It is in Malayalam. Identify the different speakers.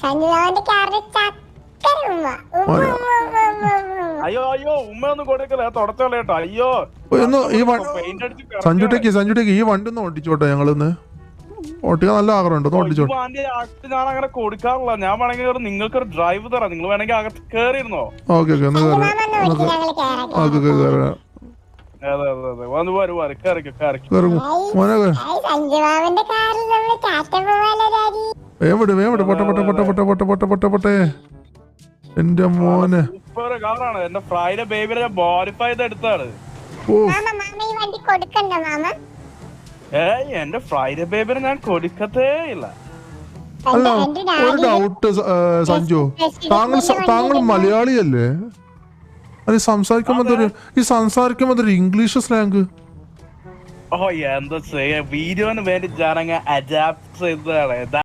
Speaker 1: സഞ്ജുവാന്റെ കാറിൽ ചക്കര ഉമ്മ. ഉമ്മ, ഉമ്മ, ഉമ്മ, ഉമ്മ, ഉമ്മ.
Speaker 2: അയ്യോ ഉമ്മയൊന്നും കൊടുക്കല തുടച്ചോളെ കേട്ടോ. അയ്യോ പെയിന്റ് അടിച്ച്
Speaker 3: സഞ്ജുട്ടേക്ക് ഈ വണ്ടി ഒന്ന് ഓടിച്ചോട്ടെ, ഞങ്ങളിന്ന് ഓട്ടിക്കാൻ നല്ല ആഗ്രഹമുണ്ട്, ഒന്ന് ഓടിച്ചോട്ടെ.
Speaker 2: ഞാൻ അങ്ങനെ കൊടുക്കാറില്ല. ഞാൻ വേണമെങ്കിൽ നിങ്ങൾക്കൊരു ഡ്രൈവ് തരാം. നിങ്ങൾ വേണമെങ്കിൽ അകത്ത് കേറിയിരുന്നോ?
Speaker 3: ഓക്കെ ഒന്ന്
Speaker 1: സഞ്ജുമാമ ഒന്ന് വിളിച്ച് ഞങ്ങള് കേറാം.
Speaker 2: അതെ വന്ന് പോര് കേറിക്കോ.
Speaker 1: സഞ്ജുമാമന്റെ കാറിൽ നമ്മള് ടാറ്റ പോവാലോ ഡാഡി.
Speaker 3: പൊട്ടെ എന്റെ മോനെ.
Speaker 2: സൂപ്പർ കാറാണ്. എന്റെ ഫ്രൈഡേ ബേബിനെ ഞാൻ മോഡിഫൈ ചെയ്ത് എടുത്താണ്.
Speaker 1: മാമ ഈ വണ്ടി കൊടുക്കണ്ട മാമ.
Speaker 2: എന്റെ ഫ്രൈഡേ ബേബിനെ ഞാൻ കൊടുക്കത്തേ ഇല്ല.
Speaker 3: അല്ല ഒരു ഡൗട്ട് സഞ്ജു, താങ്കൾ മലയാളിയല്ലേ? അത് സംസാരിക്കുമ്പോ ഒരു ഇംഗ്ലീഷ് സ്ലാങ്.
Speaker 2: എന്താ ചെയ്യാ, വീഡിയോന് വേണ്ടി ഞാനങ്ങ് അഡാപ്റ്റ് ചെയ്തതാണ്.